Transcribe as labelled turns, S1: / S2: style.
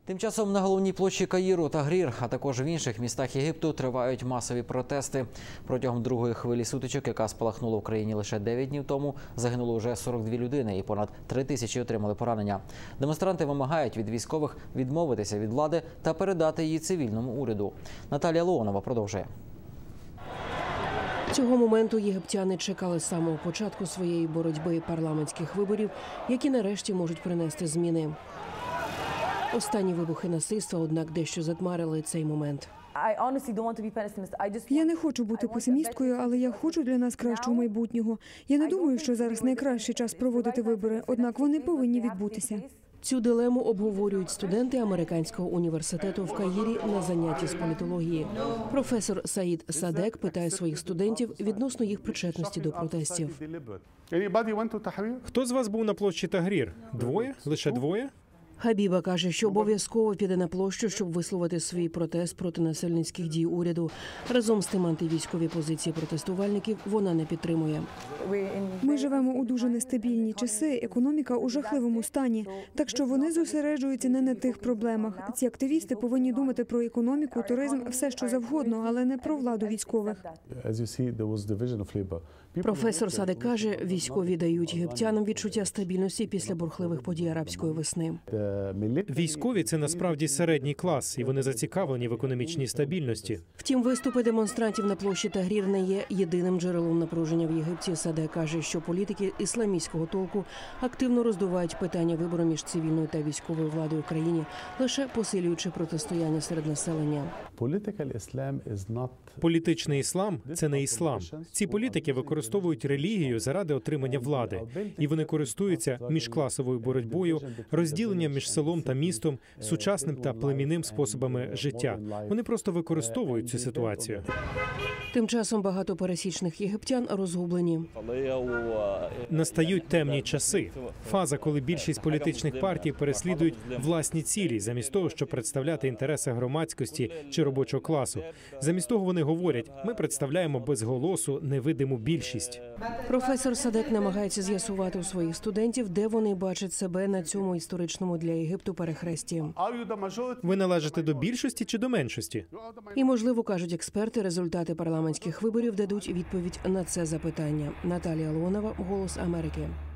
S1: Тим часом на головній площі Каїру, Тагрір, а також в інших містах Єгипту тривають масові протести. Протягом другої хвилі сутичок, яка спалахнула в країні лише 9 днів тому, загинуло вже 42 людини і понад 3 тисячі отримали поранення. Демонстранти вимагають від військових відмовитися від влади та передати її цивільному уряду. Наталія Леонова продовжує.
S2: Цього моменту єгиптяни чекали з самого початку своєї боротьби парламентських виборів, які нарешті можуть принести зміни. Останні вибухи насильства, однак, дещо затмарили цей момент.
S3: Я не хочу бути песимісткою, але я хочу для нас кращого майбутнього. Я не думаю, що зараз найкращий час проводити вибори, однак вони повинні відбутися.
S2: Цю дилему обговорюють студенти американського університету в Каїрі на занятті з політології. Професор Саїд Садек питає своїх студентів відносно їх причетності до протестів.
S4: Хто з вас був на площі Тагрір? Двоє? Лише двоє?
S2: Хабіба каже, що обов'язково піде на площу, щоб висловити свій протест проти насильницьких дій уряду. Разом з тим антивійськові позиції протестувальників вона не підтримує.
S3: Ми живемо у дуже нестабільні часи, економіка у жахливому стані, так що вони зосереджуються не на тих проблемах. Ці активісти повинні думати про економіку, туризм, все що завгодно, але не про владу військових.
S2: Професор Садек каже, військові дають єгиптянам відчуття стабільності після бурхливих подій арабської весни.
S4: Військові – це насправді середній клас, і вони зацікавлені в економічній стабільності.
S2: Втім, виступи демонстрантів на площі Тагрір не є єдиним джерелом напруження в Єгипті. Садек каже, що політики ісламістського толку активно роздувають питання вибору між цивільною та військовою владою в країні, лише посилюючи протистояння серед населення.
S4: Політичний іслам – це не іслам. Ці політики використовують релігію заради отримання влади. І вони користуються міжкласовою боротьбою, розділенням між селом та містом, сучасним та племінним способами життя. Вони просто використовують цю ситуацію.
S2: Тим часом багато пересічних єгиптян розгублені.
S4: Настають темні часи. Фаза, коли більшість політичних партій переслідують власні цілі, замість того, щоб представляти інтереси громадськості чи робочого класу. Замість того вони говорять, ми представляємо без голосу невидиму більшість.
S2: Професор Садек намагається з'ясувати у своїх студентів, де вони бачать себе на цьому історичному для Єгипту перехресті.
S4: Ви належите до більшості чи до меншості?
S2: І, можливо, кажуть експерти, результати парламентських виборів дадуть відповідь на це запитання. Наталія Леонова, «Голос Америки».